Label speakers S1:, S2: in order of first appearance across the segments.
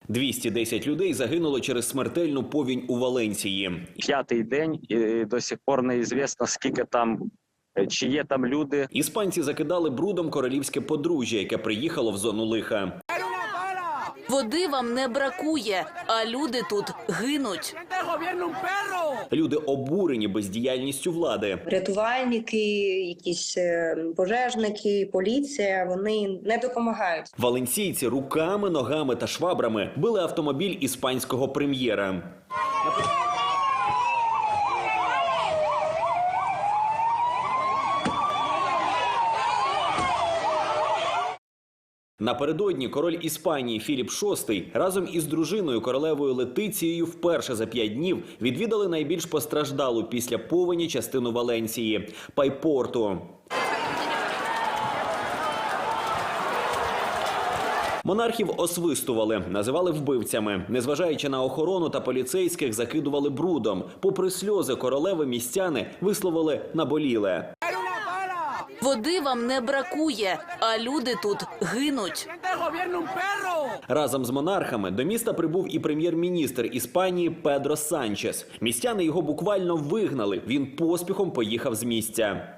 S1: 210 людей загинуло через смертельну повінь у Валенсії.
S2: П'ятий день і до сих пор неізвісно, скільки там, чи є там люди.
S1: Іспанці закидали брудом королівське подружжя, яке приїхало в зону лиха.
S3: Води вам не бракує, а люди тут гинуть.
S1: Люди обурені бездіяльністю влади.
S4: Рятувальники, якісь пожежники, поліція, вони не допомагають.
S1: Валенсійці руками, ногами та швабрами били автомобіль іспанського прем'єра. Напередодні король Іспанії Філіп VI разом із дружиною королевою Летицією вперше за 5 днів відвідали найбільш постраждалу після повені частину Валенсії – Пайпорту. Монархів освистували, називали вбивцями. Незважаючи на охорону та поліцейських, закидували брудом. Попри сльози королеви, містяни висловили наболіле.
S3: Води вам не бракує, а люди тут гинуть.
S1: Разом з монархами до міста прибув і прем'єр-міністр Іспанії Педро Санчес. Містяни його буквально вигнали. Він поспіхом поїхав з місця.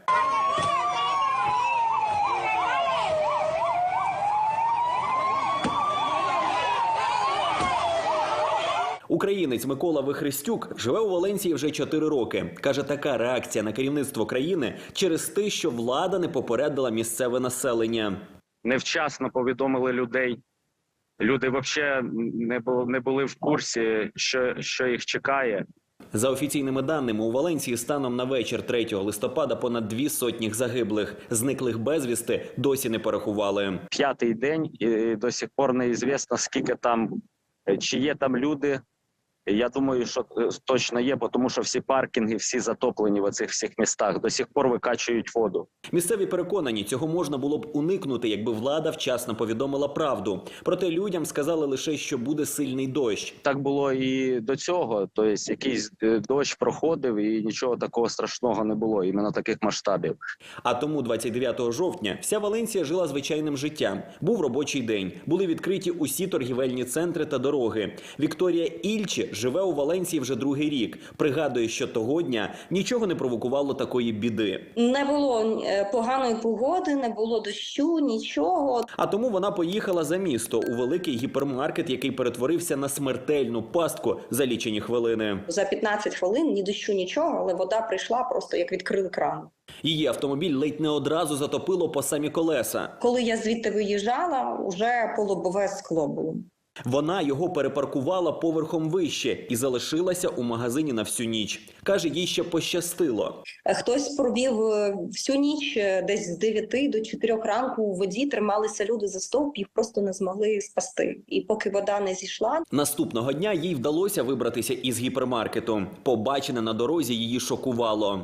S1: Українець Микола Вихрестюк живе у Валенсії вже 4 роки. Каже, така реакція на керівництво країни через те, що влада не попередила місцеве населення.
S2: Невчасно повідомили людей. Люди взагалі не були в курсі, що їх чекає.
S1: За офіційними даними, у Валенсії станом на вечір 3 листопада понад 200 загиблих. Зниклих безвісти досі не порахували.
S2: П'ятий день і до сих пор неізвісно, скільки там, чи є там люди. Я думаю, що точно є, тому що всі паркінги, всі затоплені в цих всіх містах, до сих пор викачують воду.
S1: Місцеві переконані, цього можна було б уникнути, якби влада вчасно повідомила правду. Проте людям сказали лише, що буде сильний дощ.
S2: Так було і до цього, тобто якийсь дощ проходив і нічого такого страшного не було, іменно таких масштабів.
S1: А тому 29 жовтня вся Валенсія жила звичайним життям. Був робочий день, були відкриті усі торгівельні центри та дороги. Вікторія Ільчі живе у Валенсії вже 2-й рік. Пригадує, що того дня нічого не провокувало такої біди.
S4: Не було поганої погоди, не було дощу, нічого.
S1: А тому вона поїхала за місто у великий гіпермаркет, який перетворився на смертельну пастку за лічені хвилини.
S4: За 15 хвилин ні дощу, нічого, але вода прийшла просто як відкрили кран.
S1: Її автомобіль ледь не одразу затопило по самі колеса.
S4: Коли я звідти виїжджала, уже полобове скло було.
S1: Вона його перепаркувала поверхом вище і залишилася у магазині на всю ніч. Каже, їй ще пощастило.
S4: Хтось провів всю ніч, десь з 9 до 4 ранку у воді трималися люди за стовп, їх просто не змогли спасти. І поки вода не зійшла...
S1: Наступного дня їй вдалося вибратися із гіпермаркету. Побачене на дорозі її шокувало.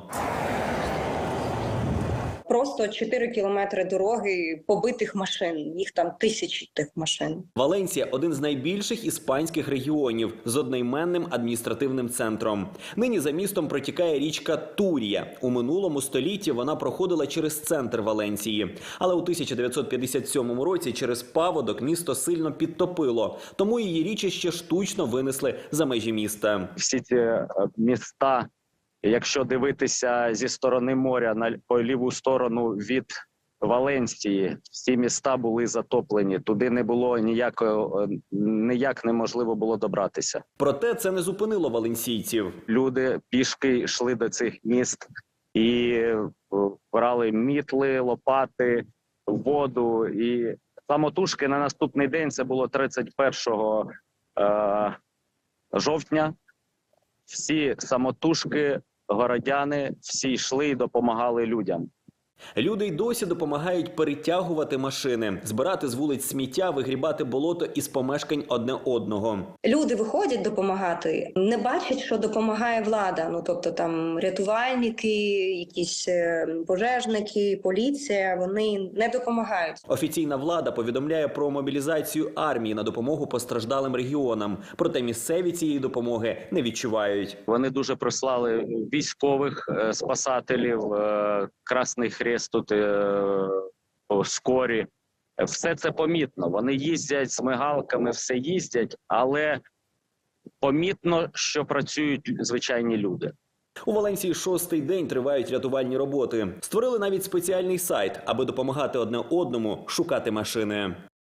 S4: Просто 4 кілометри дороги побитих машин, їх там тисячі тих машин.
S1: Валенсія – один з найбільших іспанських регіонів з одноіменним адміністративним центром. Нині за містом протікає річка Турія. У минулому столітті вона проходила через центр Валенсії. Але у 1957 році через паводок місто сильно підтопило. Тому її річище штучно винесли за межі міста.
S2: Всі ці міста, якщо дивитися зі сторони моря по ліву сторону від Валенсії, всі міста були затоплені. Туди не було ніяк неможливо було добратися.
S1: Проте це не зупинило валенсійців.
S2: Люди пішки йшли до цих міст і брали мітли, лопати, воду. І самотужки на наступний день, це було 31 жовтня, всі самотужки, городяни, всі йшли і допомагали людям.
S1: Люди й досі допомагають перетягувати машини, збирати з вулиць сміття, вигрібати болото із помешкань одне одного.
S4: Люди виходять допомагати, не бачать, що допомагає влада. Ну, тобто там рятувальники, якісь пожежники, поліція, вони не допомагають.
S1: Офіційна влада повідомляє про мобілізацію армії на допомогу постраждалим регіонам. Проте місцеві цієї допомоги не відчувають.
S2: Вони дуже прислали військових спасателів, Красний Хрест тут, скорі. Все це помітно. Вони їздять з мигалками, все їздять, але помітно, що працюють звичайні люди.
S1: У Валенсії 6-й день тривають рятувальні роботи. Створили навіть спеціальний сайт, аби допомагати одне одному шукати машини.